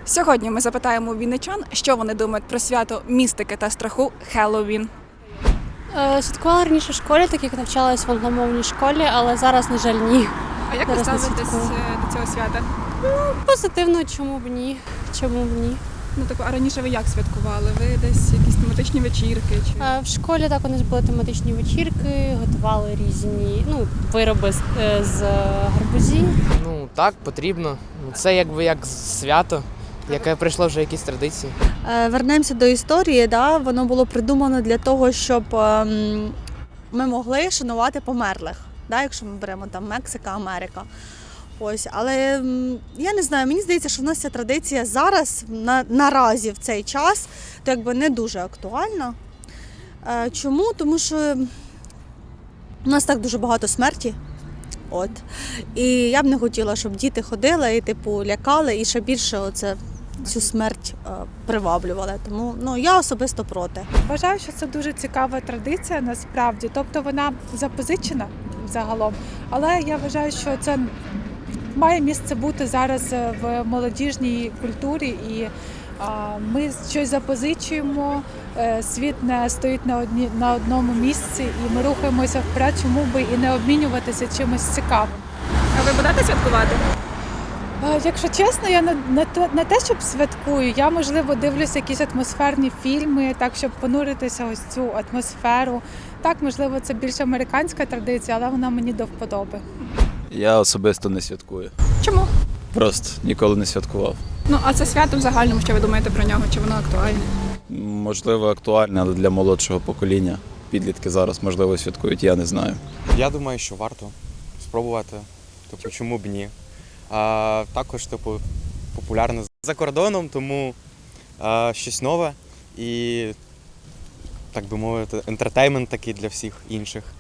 Сьогодні ми запитаємо у вінничан, що вони думають про свято містики та страху Хеллоуін. Святкувала раніше в школі, так як навчалась в англомовній школі, але зараз, на жаль, ні. А як ви Зараз не ставитесь святкую. до цього свята? Позитивно, чому б ні? Чому б ні? Ну так, а раніше ви як святкували? Ви десь якісь тематичні вечірки? Чи В школі так у нас були тематичні вечірки, готували різні вироби з гарбузів. Ну так, потрібно. Це якби як свято, яке прийшло вже якісь традиції. Вернемося до історії. Да? Воно було придумано для того, щоб ми могли шанувати померлих, да? Якщо ми беремо там Мексика, Америка. Ось, але я не знаю, мені здається, що в нас ця традиція зараз, наразі в цей час, то якби не дуже актуальна. Чому? Тому що у нас так дуже багато смерті. От. І я б не хотіла, щоб діти ходили і лякали, і ще більше цю смерть приваблювали. Тому я особисто проти. Вважаю, що це дуже цікава традиція насправді. Тобто вона запозичена загалом, але я вважаю, що це має місце бути зараз в молодіжній культурі, і ми щось запозичуємо, світ не стоїть на одному місці, і ми рухаємося вперед, чому би і не обмінюватися чимось цікавим. а ви будете святкувати? Якщо чесно, я не те, щоб святкую, я, можливо, дивлюся якісь атмосферні фільми, так, щоб понуритися ось цю атмосферу. Так, можливо, це більш американська традиція, але вона мені до вподоби. Я особисто не святкую. Чому? Просто ніколи не святкував. Ну, а це свято в загальному, що ви думаєте про нього? Чи воно актуальне? Можливо, актуальне, але для молодшого покоління. Підлітки зараз, можливо, святкують, я не знаю. Я думаю, що варто спробувати. Чому б ні? Також, популярне за кордоном, тому щось нове і, так би мовити, ентертеймент такий для всіх інших.